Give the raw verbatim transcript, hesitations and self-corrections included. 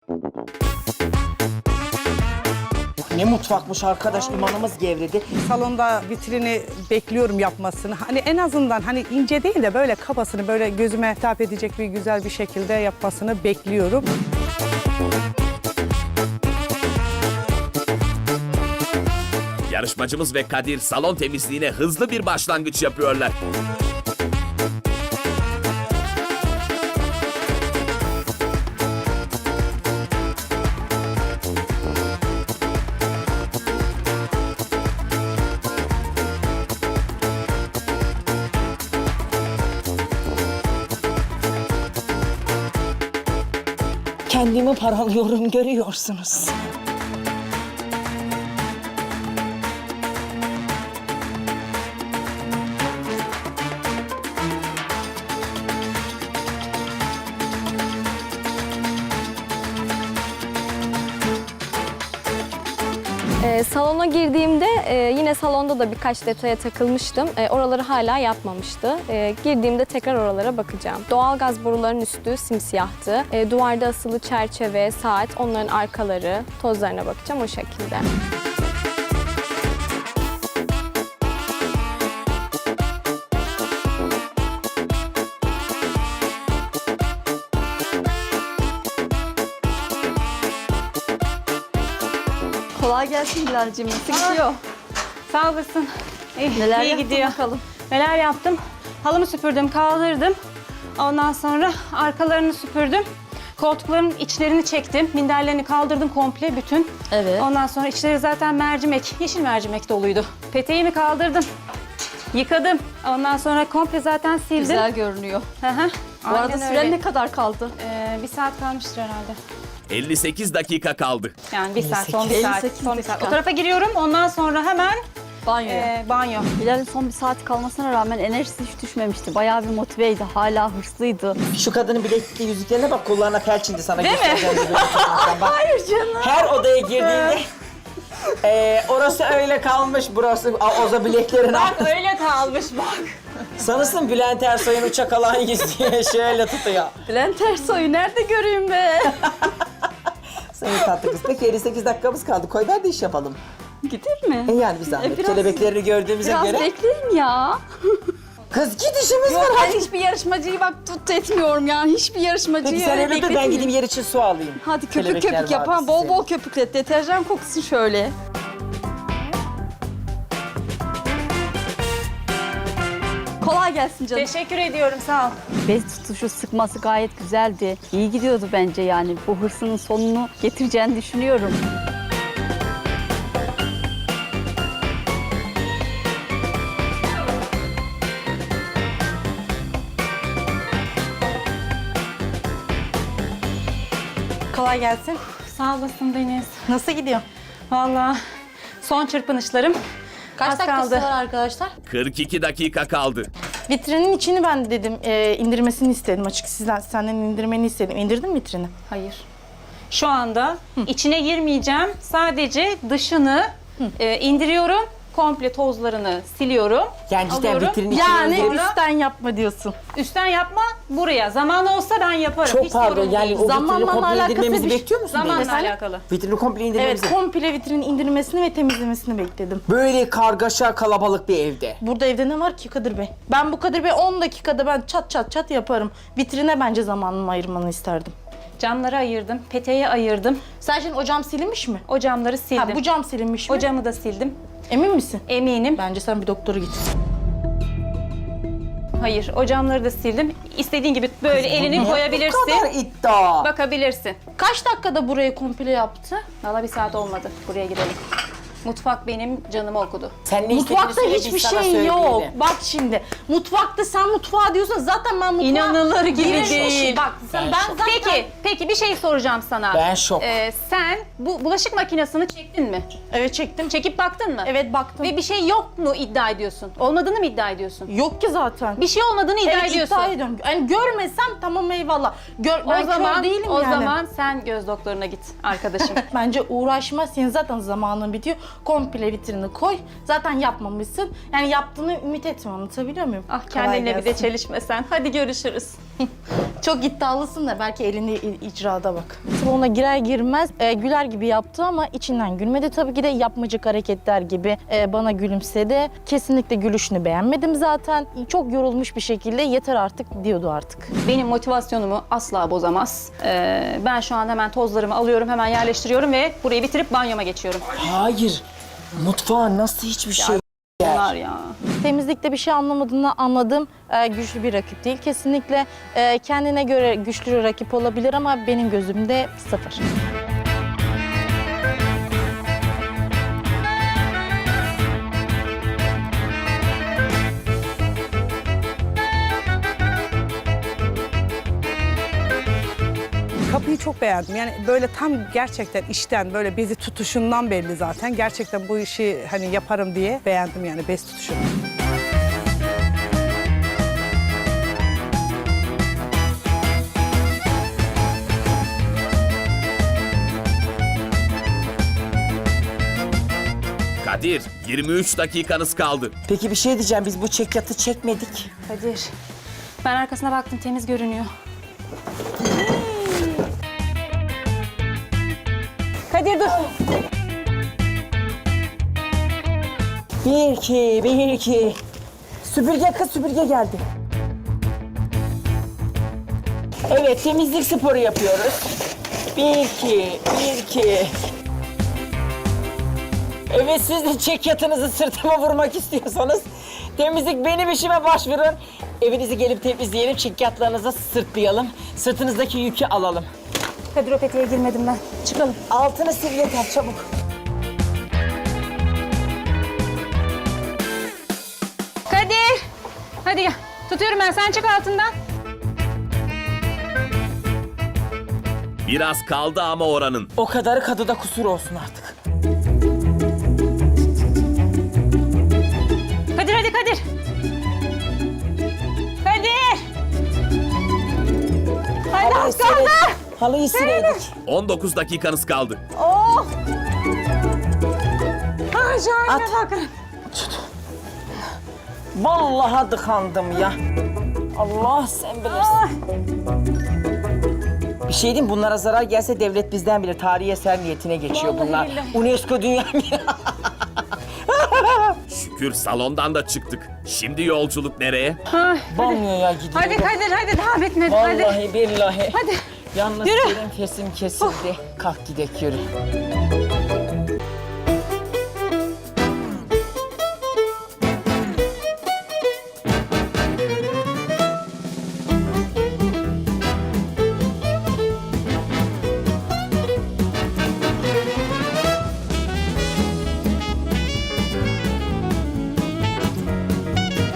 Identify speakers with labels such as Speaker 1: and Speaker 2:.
Speaker 1: Ne mutfakmış arkadaş, imanımız gevredi.
Speaker 2: Salonda vitrini bekliyorum yapmasını. Hani en azından hani ince değil de böyle kabasını böyle gözüme hitap edecek bir güzel bir şekilde yapmasını bekliyorum.
Speaker 3: Yarışmacımız ve Kadir salon temizliğine hızlı bir başlangıç yapıyorlar.
Speaker 1: Kendimi paralıyorum, görüyorsunuz.
Speaker 4: Ee, salona girdiğimde e, yine salonda da birkaç detaya takılmıştım. E, oraları hala yapmamıştı. E, girdiğimde tekrar oralara bakacağım. Doğalgaz borularının üstü simsiyahtı. E, duvarda asılı çerçeve, saat, onların arkaları, tozlarına bakacağım o şekilde.
Speaker 5: Kolay gelsin Bilal'cim. Nasıl gidiyor?
Speaker 6: Sağ olasın. İyi,
Speaker 5: Neler
Speaker 6: iyi
Speaker 5: yaptın
Speaker 6: gidiyor.
Speaker 5: bakalım?
Speaker 6: Neler yaptım? Halımı süpürdüm, kaldırdım. Ondan sonra arkalarını süpürdüm. Koltukların içlerini çektim. Minderlerini kaldırdım komple bütün.
Speaker 5: Evet.
Speaker 6: Ondan sonra içleri zaten mercimek, yeşil mercimek doluydu. Peteğimi kaldırdım. Yıkadım. Ondan sonra komple zaten sildim.
Speaker 5: Güzel görünüyor.
Speaker 6: Hı hı.
Speaker 5: Bu arada
Speaker 6: Aynen
Speaker 5: süren
Speaker 6: öyle.
Speaker 5: ne kadar kaldı?
Speaker 6: Ee, bir saat kalmıştır herhalde.
Speaker 3: elli sekiz dakika kaldı.
Speaker 6: Yani bir saat, son bir
Speaker 5: elli
Speaker 6: saat.
Speaker 5: sekiz
Speaker 6: Son bir saat.
Speaker 5: dakika.
Speaker 6: O tarafa giriyorum. Ondan sonra hemen
Speaker 5: Banyoya.
Speaker 6: e, banyo.
Speaker 5: Bilal'in son bir saat kalmasına rağmen enerjisi hiç düşmemişti. Bayağı bir motiveydi. Hala hırslıydı.
Speaker 1: Şu kadının bilekli yüzüklerine bak, kollarına felçindi sana.
Speaker 6: Değil mi?
Speaker 1: Hayır canım. Her odaya girdiğinde e, orası öyle kalmış, burası a, oza bileklerini
Speaker 6: Bak
Speaker 1: almış.
Speaker 6: öyle kalmış bak.
Speaker 1: Sanırsın Bülent Ersoy'un uçak alan yüzüğü şöyle tutuyor.
Speaker 5: Bülent Ersoy'u nerede göreyim be?
Speaker 1: Sayın tatlı kız. Peki elli sekiz dakikamız kaldı. Koy ver de iş yapalım.
Speaker 5: Gider mi?
Speaker 1: E yani bir zahmet.
Speaker 5: E, biraz-
Speaker 1: Kelebeklerini gördüğümüze
Speaker 5: Biraz
Speaker 1: göre.
Speaker 5: bekleyin ya.
Speaker 1: Kız git, işimiz var.
Speaker 5: Yok ben
Speaker 1: Hadi.
Speaker 5: hiçbir yarışmacıyı bak tut etmiyorum ya. Hiçbir yarışmacıyı
Speaker 1: Peki sen öyle dur, ben
Speaker 5: bekletmeyeyim.
Speaker 1: gideyim yer için su alayım.
Speaker 5: Hadi köpük
Speaker 1: Kelebekler
Speaker 5: köpük yap
Speaker 1: vardı
Speaker 5: ha. Bol
Speaker 1: size.
Speaker 5: bol köpüklet. Deterjan kokusu şöyle. Kolay gelsin canım.
Speaker 6: Teşekkür ediyorum, sağ ol.
Speaker 5: Bez tutuşu sıkması gayet güzeldi. İyi gidiyordu bence yani. Bu hırsının sonunu getireceğini düşünüyorum.
Speaker 6: Kolay gelsin. Sağ olasın Deniz. Nasıl gidiyor? Vallahi son çırpınışlarım.
Speaker 7: Kaç
Speaker 6: Az
Speaker 7: dakikası
Speaker 6: kaldı.
Speaker 7: var arkadaşlar?
Speaker 3: kırk iki dakika kaldı.
Speaker 7: Vitrinin içini ben dedim e, indirmesini istedim açık. Sizden senden indirmeni istedim. İndirdin mi vitrini?
Speaker 6: Hayır. Şu anda içine girmeyeceğim. Sadece dışını e, indiriyorum. Komple tozlarını siliyorum.
Speaker 1: Yani cidden
Speaker 6: Alıyorum.
Speaker 1: vitrinin içine
Speaker 7: Yani
Speaker 1: indirip-
Speaker 7: üstten yapma diyorsun.
Speaker 6: Üstten yapma buraya. Zaman olsa ben yaparım.
Speaker 1: Çok
Speaker 6: Hiç
Speaker 1: pardon,
Speaker 6: sorun
Speaker 1: yani
Speaker 6: değil.
Speaker 1: o vitrini
Speaker 7: Zamanla
Speaker 1: komple
Speaker 7: alakası
Speaker 1: indirmemizi
Speaker 7: bir-
Speaker 1: bekliyor musun?
Speaker 6: Zamanla
Speaker 1: Deniz?
Speaker 6: alakalı.
Speaker 1: Vitrini komple
Speaker 7: Evet,
Speaker 1: indirmemizi.
Speaker 7: komple vitrinin indirmesini ve temizlemesini bekledim.
Speaker 1: Böyle kargaşa kalabalık bir evde.
Speaker 7: Burada evde ne var ki Kadir Bey? Ben bu Kadir Bey on dakikada ben çat çat çat yaparım. Vitrine bence zamanımı ayırmanı isterdim.
Speaker 6: Camları ayırdım. Peteği ayırdım.
Speaker 7: Sen şimdi o cam silinmiş mi?
Speaker 6: O camları sildim.
Speaker 7: Ha, bu cam silinmiş mi?
Speaker 6: O camı da sildim.
Speaker 7: Emin misin?
Speaker 6: Eminim.
Speaker 7: Bence sen bir doktora git.
Speaker 6: Hayır, o camları da sildim. İstediğin gibi böyle elini
Speaker 1: Bu
Speaker 6: koyabilirsin.
Speaker 1: kadar iddia.
Speaker 6: Bakabilirsin.
Speaker 7: Kaç dakikada burayı komple yaptı?
Speaker 6: Valla bir saat olmadı. Buraya gidelim. Mutfak benim canımı okudu.
Speaker 1: Sen ne
Speaker 7: Mutfakta
Speaker 1: istediğini söyle,
Speaker 7: hiçbir
Speaker 1: biz sana
Speaker 7: şey yok.
Speaker 1: söyleyelim.
Speaker 7: Bak şimdi mutfakta sen mutfağa diyorsun zaten ben mutfağa...
Speaker 6: İnanılır gibi
Speaker 7: girişmişim.
Speaker 6: değil.
Speaker 7: Bak sen,
Speaker 1: Ben
Speaker 7: ben,
Speaker 1: şok.
Speaker 7: zaten...
Speaker 6: Peki, peki bir şey soracağım sana.
Speaker 1: Ben şok.
Speaker 6: Ee, sen bu bulaşık makinesini çektin mi?
Speaker 7: Evet çektim.
Speaker 6: Çekip baktın mı?
Speaker 7: Evet baktım.
Speaker 6: Ve bir şey yok mu iddia ediyorsun? Olmadığını mı iddia ediyorsun?
Speaker 7: Yok ki zaten.
Speaker 6: Bir şey olmadığını iddia
Speaker 7: evet,
Speaker 6: ediyorsun.
Speaker 7: iddia ediyorum. Yani görmesem tamam eyvallah. Gör, ben
Speaker 6: O zaman
Speaker 7: kör değilim
Speaker 6: o
Speaker 7: yani.
Speaker 6: zaman sen göz doktoruna git arkadaşım.
Speaker 7: Bence uğraşma, senin zaten zamanın bitiyor. Komple vitrini koy. Zaten yapmamışsın. Yani yaptığını ümit etme, anlatabiliyor muyum?
Speaker 6: Ah
Speaker 7: Kolay
Speaker 6: kendinle bir de
Speaker 7: gelsin.
Speaker 6: çelişmesen. Hadi görüşürüz.
Speaker 7: Çok iddialısın da belki elini i- icrada bak. Salona girer girmez e, güler gibi yaptı ama içinden gülmedi. Tabii ki de yapmacık hareketler gibi e, bana gülümsedi. Kesinlikle gülüşünü beğenmedim zaten. Çok yorulmuş bir şekilde yeter artık diyordu artık.
Speaker 6: Benim motivasyonumu asla bozamaz. Ee, ben şu an hemen tozlarımı alıyorum, hemen yerleştiriyorum ve burayı bitirip banyoma geçiyorum.
Speaker 1: Hayır. Mutfağın nasıl hiçbir şey
Speaker 6: Bunlar ya.
Speaker 7: Temizlikte bir şey anlamadığını anladım. E, güçlü bir rakip değil. Kesinlikle e, kendine göre güçlü bir rakip olabilir ama benim gözümde sıfır.
Speaker 2: Kapıyı çok beğendim. Yani böyle tam gerçekten işten böyle bezi tutuşundan belli zaten. Gerçekten bu işi hani yaparım diye beğendim yani bez tutuşunu.
Speaker 3: Kadir, yirmi üç dakikanız kaldı.
Speaker 1: Peki bir şey diyeceğim, biz bu çekyatı çekmedik.
Speaker 6: Kadir. Ben arkasına baktım, temiz görünüyor. Kadir dur.
Speaker 1: Bir iki, bir iki. Süpürge kız, süpürge geldi. Evet, temizlik sporu yapıyoruz. Bir iki, bir iki. Evet, siz de çekyatınızı sırtıma vurmak istiyorsanız temizlik benim işime başvurun. Evinizi gelip temizleyelim, çekyatlarınızı sırtlayalım. Sırtınızdaki yükü alalım.
Speaker 6: Kadir o peteğe girmedim ben. Çıkalım.
Speaker 1: Altını sil yeter, çabuk.
Speaker 6: Kadir. Hadi gel. Tutuyorum ben, sen çık altından.
Speaker 3: Biraz kaldı ama oranın.
Speaker 1: O kadarı kadıda kusur olsun artık.
Speaker 6: Kadir hadi Kadir. Kadir. Hadi
Speaker 1: Halıyı
Speaker 6: az kaldı.
Speaker 1: siledik. Halıyı sileydik.
Speaker 3: on dokuz dakikanız kaldı.
Speaker 6: Oh. Ha şahane
Speaker 1: At.
Speaker 6: bakın.
Speaker 1: Vallahi dıkandım ya. Allah sen bilirsin. Bir şey diyeyim, bunlara zarar gelse devlet bizden bilir. Tarihi eser niyetine geçiyor
Speaker 6: Vallahi
Speaker 1: bunlar.
Speaker 6: billahi.
Speaker 1: UNESCO Dünya Mirası.
Speaker 3: Şükür salondan da çıktık. Şimdi yolculuk nereye?
Speaker 1: Banyoya gidiyorum.
Speaker 6: Hadi Kadir hadi daha bitmedi. Hadi.
Speaker 1: Vallahi billahi.
Speaker 6: Hadi.
Speaker 1: Yalnız
Speaker 6: Yürü.
Speaker 1: benim fesim kesildi. Kalk gidek yürü.